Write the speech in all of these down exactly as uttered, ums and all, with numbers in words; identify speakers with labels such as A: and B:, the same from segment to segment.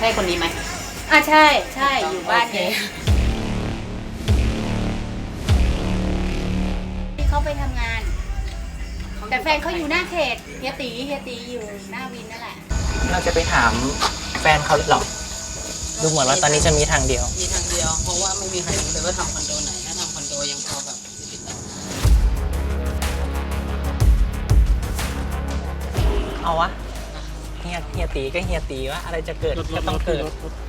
A: ใช่คนนี้ไหม
B: อ่ะใช่ใช่อยู่บ้านนี้ที่เขาไปทำงานแต่แฟนเขาอยู่หน้าเขตเฮียตีเฮียตีอยู่หน้าวินนั่นแหละ
C: เราจะไปถามแฟนเขาหรอดูเหมือนว่าตอนนี้จะมีทางเดียว
A: มีทางเดียวเพราะว่าไม่มีใครรู้เลยว่าทำคอนโดไหนถ้าทำคอนโดยังพอแบบติดต่อ
C: เอาวะเฮียเฮียตีก็เฮียตีว่าอะไรจะเกิดก็ต้องเกิด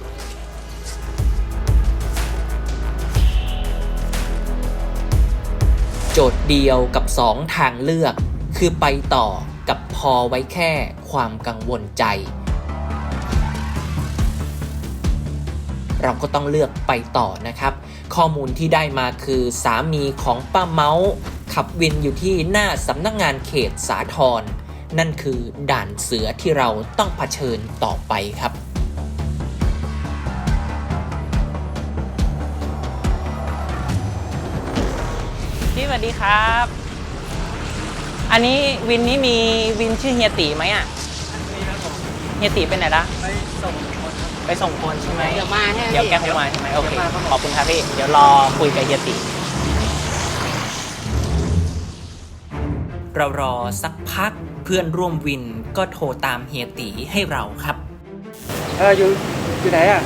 C: โจทย์เดียวกับสองทางเลือกคือไปต่อกับพอไว้แค่ความกังวลใจเราก็ต้องเลือกไปต่อนะครับข้อมูลที่ได้มาคือสามีของป้าเมาส์ขับวินอยู่ที่หน้าสำนักงานเขตสาทรนั่นคือด่านเสือที่เราต้องเผชิญต่อไปครับพี่สวัสดีครับอันนี้วินนี้มีวินชื่อเฮียตีไหมอ่ะเฮียตีไปไหนละไปส่งคนไปส่งคนใช่ไหม
A: เดี๋ยวมาใช่ไหม
C: เดี๋ยวแกคงมาใช่ไหมโอเคขอบคุณครับพี่เดี๋ยวรอคุยกับเฮียตีเรารอสักพักเพื่อนร่วมวินก็โทรตามเฮียตีให้เราครับ
D: เอออยู่อยู่ไหนอ่ะ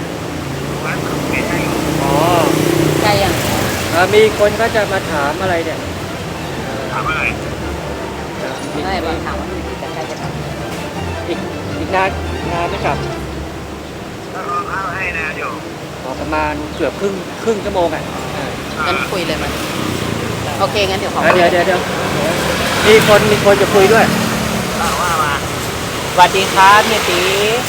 D: อ๋อ
A: ใช่ยัง
D: มีคนก็จะมาถามอะไรเนี่ย
E: ถามอะไร
A: ไม่มาถามว่าจะใครจะกลับ
D: อีกอีกนานนานไม่กลับ
E: ก็รอข้าวให้นะโยม
D: ประมาณเกือบครึ่งครึ่งชั่วโมงอ่ะ
A: งั้นคุยเลยมั้ยโอเคงั้นเดี๋ยวขอ
D: เดี๋ยวเดี๋ยวเดี๋ยวมีคนมีคนจะคุยด้วย
E: ว่ามา
C: สวัสดีครับเฮียตี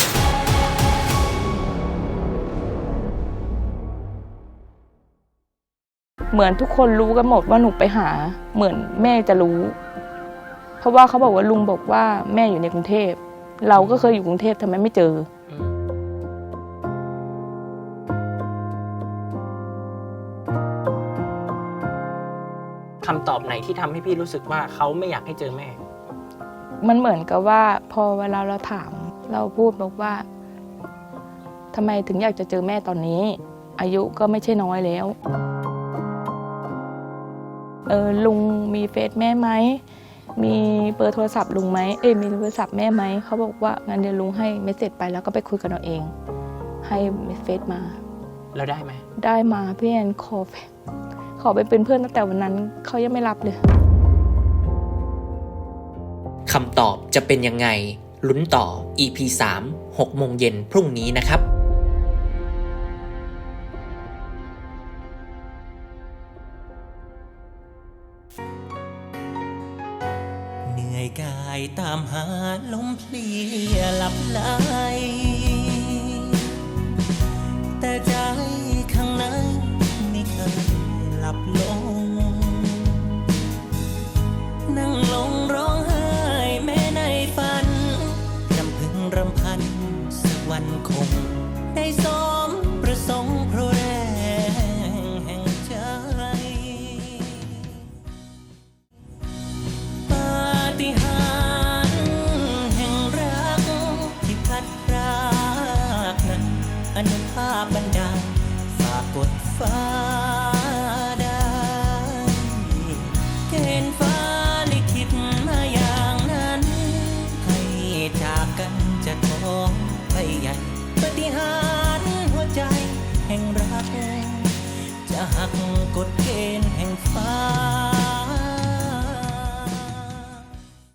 F: เหมือนทุกคนรู้กันหมดว่าหนูไปหาเหมือนแม่จะรู้เพราะว่าเขาบอกว่าลุงบอกว่าแม่อยู่ในกรุงเทพเราก็เคยอยู่กรุงเทพทำไมไม่เจอ
C: คำตอบไหนที่ทำให้พี่รู้สึกว่าเขาไม่อยากให้เจอแม่
F: มันเหมือนกับว่าพอเวลาเราถามเราพูดบอกว่าทำไมถึงอยากจะเจอแม่ตอนนี้อายุก็ไม่ใช่น้อยแล้วเออลุงมีเฟซแม่ไหมมีเบอร์โทรศัพท์ลุงไหมเอ้ยมีโทรศัพท์แม่ไหมเขาบอกว่างั้นเดี๋ยวลุงให้เมสเสจไปแล้วก็ไปคุยกันเอาเองให้เฟซมา
C: แล้วได้ไหม
F: ได้มาพี่แอนขอขอไปเป็นเพื่อนตั้งแต่วันนั้นเขายังไม่รับเลย
C: คำตอบจะเป็นยังไงลุ้นต่อ อี พี สาม หกโมงเย็นพรุ่งนี้นะครับเหนื่อยกายตามหาลมเพลียหลับไหลแต่ใจข้างในไม่เคยหลับลงนั่งลงร้องไห้แม้ในฝันรำพึงรำพันสักวันคงได้สมประสงค์เพราะแรงแห่งใจปาฏิหาริย์แห่งรักที่พัดพรากนั้นอนุภาพบันดาลฝากกดฟ้าได้เกณฑ์ฟ้าลิขิตมาอย่างนั้นให้จากกันจะท้องไปใหญ่ปาฏิหาริย์หัวใจแห่งรักจะหักกฎเกณฑ์แห่งฟ้า